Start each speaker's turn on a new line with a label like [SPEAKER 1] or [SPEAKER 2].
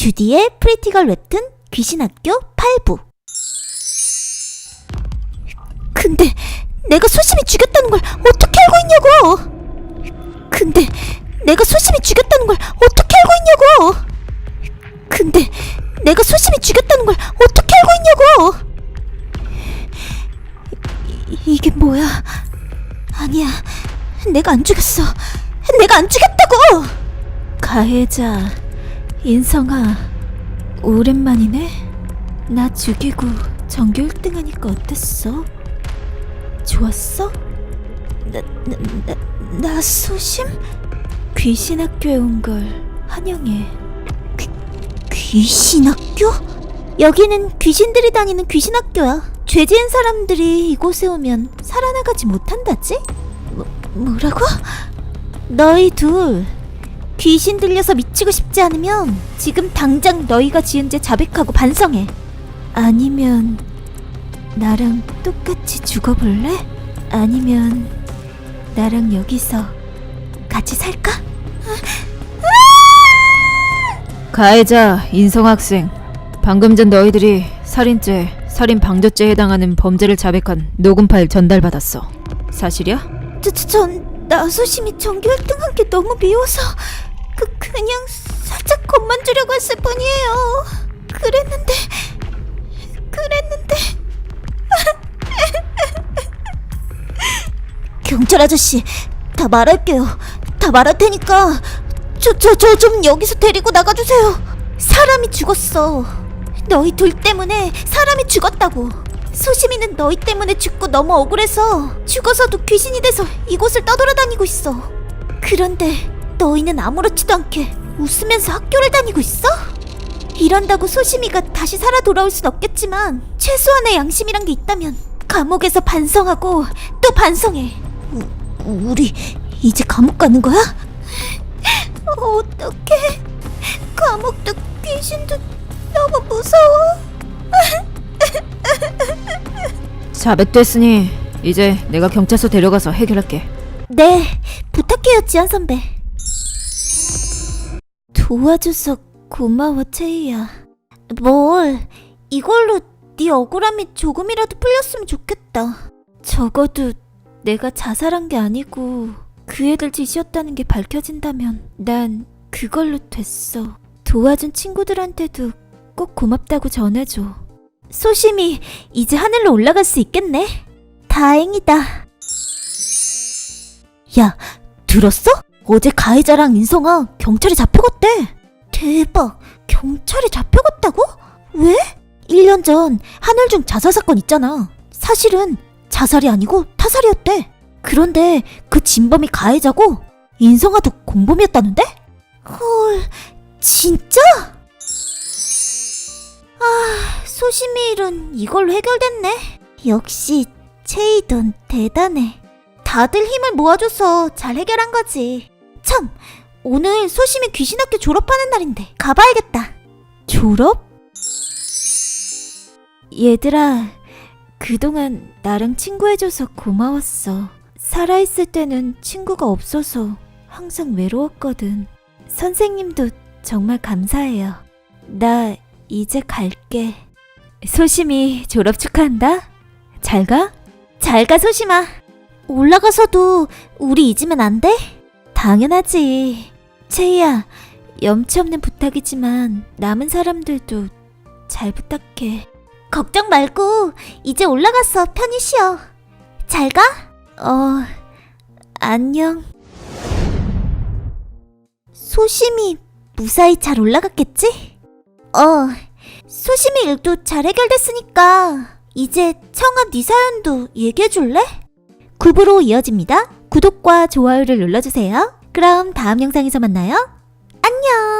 [SPEAKER 1] 주디의 프리티걸 웹툰 귀신학교 8부. 근데 내가 소심이 죽였다는 걸 어떻게 알고 있냐고! 근데 내가 소심이 죽였다는 걸 어떻게 알고 있냐고! 근데 내가 소심이 죽였다는 걸 어떻게 알고 있냐고! 이게 뭐야? 아니야, 내가 안 죽였어. 내가 안 죽였다고! 가해자 인성아, 오랜만이네. 나 죽이고 전교 1등 하니까 어땠어? 좋았어? 나 소심? 귀신학교에 온 걸 환영해. 귀신학교? 여기는 귀신들이 다니는 귀신학교야. 죄 지은 사람들이 이곳에 오면 살아나가지 못한다지? 뭐라고? 너희 둘 귀신 들려서 미치고 싶지 않으면 지금 당장 너희가 지은 죄 자백하고 반성해. 아니면 나랑 똑같이 죽어볼래? 아니면 나랑 여기서 같이 살까?
[SPEAKER 2] 가해자 인성학생, 방금 전 너희들이 살인죄, 살인방조죄에 해당하는 범죄를 자백한 녹음 파일 전달받았어. 사실이야?
[SPEAKER 1] 전 나소심이 전교 1등 한 게 너무 미워서 그냥 살짝 겁만 주려고 했을 뿐이에요. 그랬는데 경찰 아저씨, 다 말할게요. 다 말할 테니까 저 좀 여기서 데리고 나가주세요. 사람이 죽었어. 너희 둘 때문에 사람이 죽었다고. 소심이는 너희 때문에 죽고 너무 억울해서 죽어서도 귀신이 돼서 이곳을 떠돌아다니고 있어. 그런데 너희는 아무렇지도 않게 웃으면서 학교를 다니고 있어? 이런다고 소심이가 다시 살아 돌아올 순 없겠지만 최소한의 양심이란 게 있다면 감옥에서 반성하고 또 반성해. 우리 이제 감옥 가는 거야? 어떡해. 감옥도 귀신도 너무 무서워.
[SPEAKER 2] 자백됐으니 이제 내가 경찰서 데려가서 해결할게.
[SPEAKER 1] 네, 부탁해요, 지연 선배. 도와줘서 고마워, 채희야. 뭘, 이걸로 네 억울함이 조금이라도 풀렸으면 좋겠다. 적어도 내가 자살한 게 아니고 그 애들 짓이었다는 게 밝혀진다면 난 그걸로 됐어. 도와준 친구들한테도 꼭 고맙다고 전해줘. 소심이 이제 하늘로 올라갈 수 있겠네. 다행이다. 야, 들었어? 어제 가해자랑 인성아 경찰에 잡혀갔대. 대박, 경찰에 잡혀갔다고? 왜? 1년 전 한울중 자살 사건 있잖아. 사실은 자살이 아니고 타살이었대. 그런데 그 진범이 가해자고 인성아도 공범이었다는데? 헐, 진짜? 소심이 일은 이걸로 해결됐네. 역시 채이돈 대단해. 다들 힘을 모아줘서 잘 해결한 거지. 참, 오늘 소심이 귀신학교 졸업하는 날인데 가봐야겠다. 졸업? 얘들아, 그동안 나랑 친구해줘서 고마웠어. 살아있을 때는 친구가 없어서 항상 외로웠거든. 선생님도 정말 감사해요. 나 이제 갈게. 소심이 졸업 축하한다. 잘 가? 잘 가, 소심아. 올라가서도 우리 잊으면 안 돼? 당연하지. 채희야, 염치 없는 부탁이지만 남은 사람들도 잘 부탁해. 걱정 말고 이제 올라가서 편히 쉬어. 잘 가? 안녕. 소심이 무사히 잘 올라갔겠지? 소심이 일도 잘 해결됐으니까 이제 청아 네 사연도 얘기해줄래? 9부로 이어집니다. 구독과 좋아요를 눌러주세요. 그럼 다음 영상에서 만나요. 안녕.